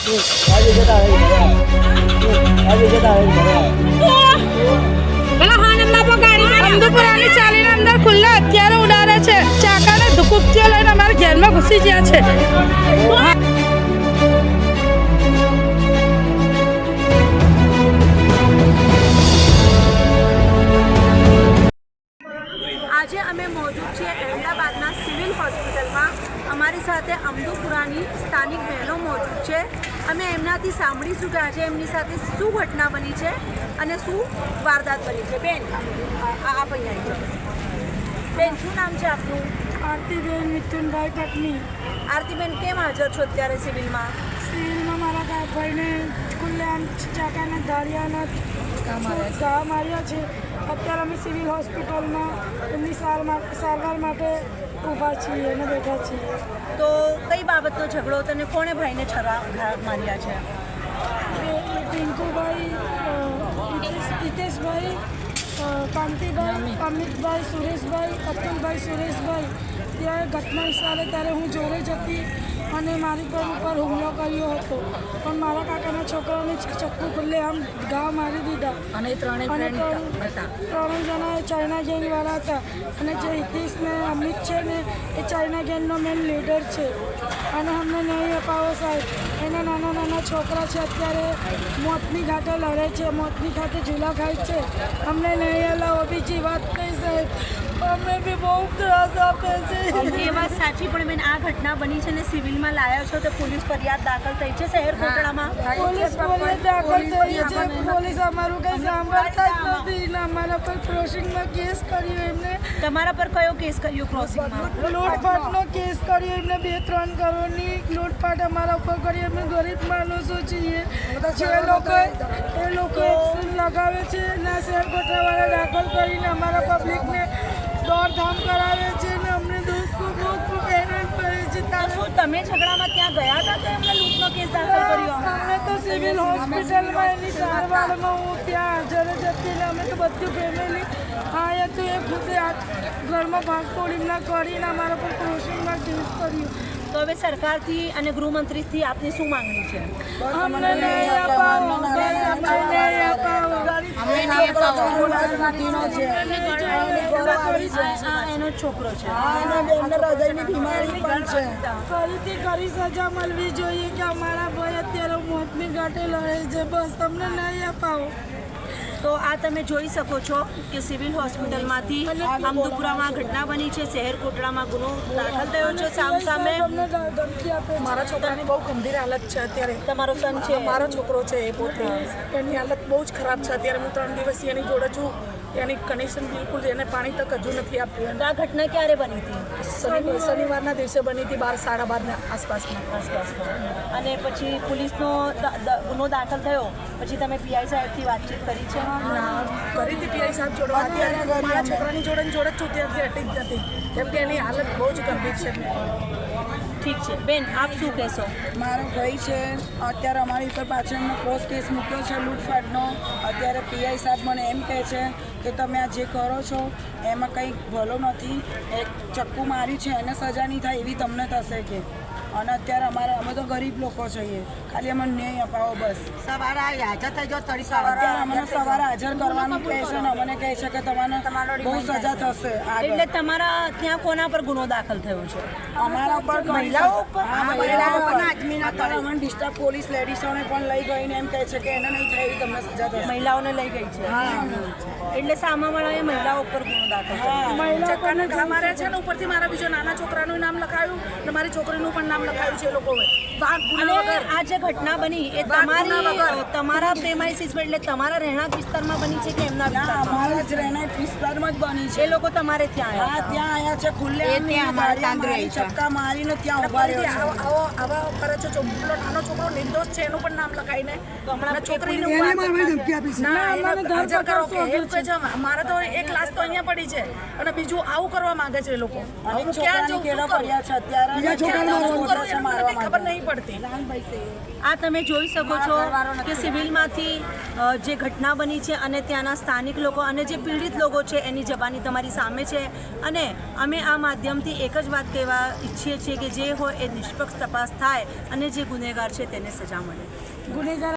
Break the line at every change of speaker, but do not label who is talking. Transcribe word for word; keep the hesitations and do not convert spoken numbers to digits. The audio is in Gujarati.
અમદુપુરાની ચાલીને અંદર ખુલ્લા હથિયારો ઉડાડે છે, ચાકાને ધુકુપચીઓ લઈને અમારા ઘેરમાં ઘૂસી ગયા છે.
આજે અમે મોજૂદ છીએ અહેમદાબાદના સિવિલ હોસ્પિટલમાં. અમારી સાથે અમદુપુરાની સ્થાનિક બહેનો મોજૂદ છે. અમે એમનાથી સાંભળીશું કે આજે એમની સાથે શું ઘટના બની છે અને શું વારદાત બની છે. બેન, આપ અહીંયા આવી જાઓ. બેન, શું નામ છે આપનું?
આરતીબેન મિથુનભાઈ પત્ની.
આરતીબેન, કેમ હાજર છો અત્યારે સિવિલમાં?
સિવિલમાં મારા ભાઈને ખુલ્લેઆમ ચાકાના ધારિયાના ઘા માર્યા છે. અત્યારે અમે સિવિલ હોસ્પિટલમાં એમની સારવાર માટે ઊભા છીએ અને બેઠા છીએ.
તો કઈ બાબતનો ઝઘડો તને કોણે ભાઈને છરા ઘા માર્યા છે?
પિંકુભાઈ, હિતેશભાઈ, કાંતિભાઈ, અમિતભાઈ, સુરેશભાઈ, અતુલભાઈ, સુરેશભાઈ. ત્યારે ઘટના હિસાબે ત્યારે હું જોડે જ હતી અને મારી પર ઉપર હુમલો કર્યો હતો, પણ મારા કાકાના છોકરાને ચક્કુ ખુલ્લે આમ ઘા મારી દીધા.
અને ત્રણેય
ત્રણેય જણા ચાઇના ગેંગવાળા હતા અને જે હિતેશ ને અમિત છે ને એ ચાઇના ગેંગનો મેન લીડર છે. અને અમને નહીં અપાવો સાહેબ. એના નાના નાના છોકરા છે, અત્યારે મોતની ઘાટે લડે છે, મોતની ઘાટે ઝૂલા ખાય છે. અમને નહીં હલાવો. બીજી વાત નહીં સાહેબ, અમને બી બહુ ત્રાસ આપે છે.
એ વાત સાચી, પણ બેન આ ઘટના બની છે ને સિવિલમાં લાયા છો તો પોલીસ ફરિયાદ દાખલ થઈ છે શહેર કોટડામાં?
પોલીસ ફરિયાદ દાખલ થઈ છે. પોલીસ અમારું કંઈ સાંભળતા જ નથી ને અમારા પર ક્રોસિંગમાં કેસ કર્યો એમને.
તમારા પર કયો કેસ કર્યો ક્રોસિંગમાં?
લૂંટફાટનો કેસ કર્યો એમને. બે ત્રણ કરોડની લૂંટફાટ અમારા ઉપર કરી. અમે ગરીબ માણસો છીએ. જે લોકો એ લોકો લગાવે છે ના શહેર કોટડાવાળા દાખલ કરીને અમારા પબ્લિકને દોડધામ કરાવે છે ને અમને દુઃખ ખૂબ ખૂબ હેરાન કરે છે.
શું તમે ઝઘડામાં ત્યાં ગયા હતા તો એમને લૂંટનો કેસ દાખલ કર્યો?
અમે તો સિવિલ હોસ્પિટલમાં એની સારવારમાં હું ત્યાં હાજર જ હતી ને અમે તો બધું ફેમિલી હા હતું. એ ખુદે ઘરમાં ભાગતોડ એમના કરીને અમારા પર ક્રોસિંગમાં કેસ કર્યું.
તો હવે સરકારથી અને ગૃહમંત્રીથી આપની શું માંગણી છે?
અમને નહીં અપાવો, અમને નહીં અપાવો.
એનો છોકરો છે,
ફરીથી કરી સજા મળવી જોઈએ કે અમારા ભાઈ અત્યારે મોતની ઘાટે લડે છે. બસ તમને નહીં અપાવો.
તો આ તમે જોઈ શકો છો કે સિવિલ હોસ્પિટલમાંથી અમદુપુરામાં ઘટના બની છે. શહેર કોટડામાં ગુનો દાખલ થયો છે સામ સામે.
મારા છોકરાની બહુ ગંભીર હાલત છે અત્યારે.
તમારો સન છે?
મારો છોકરો છે એ પોતે. એની હાલત બહુ જ ખરાબ છે અત્યારે. હું ત્રણ દિવસથી એની જોડે છું. એની કનેક્શન બિલકુલ એને પાણી તક હજુ નથી આપ્યું.
તો આ ઘટના ક્યારે બની હતી?
શનિવારના દિવસે બની હતી, બાર સાડા બારના આસપાસમાં
આસપાસમાં. અને પછી પોલીસનો ગુનો દાખલ થયો પછી તમે પીઆઈ સાહેબથી વાતચીત કરી છે?
કરી હતી પીઆઈ સાહેબ જોડે. અત્યારે મારા છોકરાની જોડે જોડે જ છું, ત્યાંથી હટી જ નથી કેમ કે એની હાલત બહુ જ ગંભીર છે.
ઠીક છે બેન, આપ શું કહેશો?
મારો ભાઈ છે અત્યારે અમારી ઉપર પાછળનો ક્રોસ કેસ મૂક્યો છે લૂંટફાટનો. અત્યારે પીઆઈ સાહેબ મને એમ કહે છે કે તમે આ જે કરો છો એમાં કંઈ ભલો નથી. એક ચક્કુ માર્યું છે એને સજા નહીં થાય એવી તમને થશે કે. અને અત્યારે અમારા અમે તો ગરીબ લોકો છીએ, ખાલી અમને ન્યાય અપાવો બસ.
સવારે હાજર થઈ જાઓ.
અત્યારે અમને સવારે હાજર કરવાનું કહે છે ને અમને કહે છે કે તમારે બહુ સજા થશે.
એટલે તમારા ત્યાં કોના પર ગુનો દાખલ થયો છે?
અમારા ઉપર
મહિલાઓ ઉપર?
અત્યારે અમને ડિસ્ટર્બ પોલીસ લેડીઝોને પણ લઈ ગઈને એમ કહે છે કે એને નહીં થાય એવી તમને સજા થશે.
મહિલાઓને લઈ ગઈ છે?
હા,
એટલે સામાવાળાએ મહિલાઓ ઉપર ગુનો દાખલ કર્યો.
ચક્કાના ઘા માર્યા છે ને ઉપરથી મારા બીજો નાના છોકરાનું નામ લખાયું ને મારી છોકરીનું પણ નામ લખાયું છે એ લોકોએ.
અને આ જે ઘટના બની એ તમારી તમારા પ્રેમાઇસીસ એટલે તમારા રહેણાંક વિસ્તારમાં બની છે કે એમના વિસ્તારમાં?
અમારા જ રહેણાંક વિસ્તારમાં જ બની છે.
એ લોકો તમારે ત્યાં
હા,
આવ્યા?
ત્યાં આવ્યા છે ખુલ્લે ચક્કા મારીને ત્યાં ઉભા રહ્યો છે.
આવો આવા કરે છે. પેલો નાનો છોકરો નિર્દોષ છે એનું પણ નામ લખાઈને છોકરીને હાજર કરો કે એમ કહે છે. મારે તો એક લાશ તો અહીંયા પડી છે અને બીજું આવું કરવા માંગે છે એ લોકો.
અને છોકરાની કેળો પડ્યા છે અત્યારે
ખબર નહીં પડતી.
આ તમે જોઈ શકો છો કે સિવિલમાંથી અ, જે ઘટના બની છે અને ત્યાંના સ્થાનિક લોકો અને જે પીડિત લોકો છે એની જબાની તમારી સામે છે. અને અમે આ માધ્યમથી એક જ વાત કહેવા ઈચ્છીએ છીએ કે જે હોય એ નિષ્પક્ષ તપાસ થાય અને જે ગુનેગાર છે તેને સજા મળે.
ગુનેગાર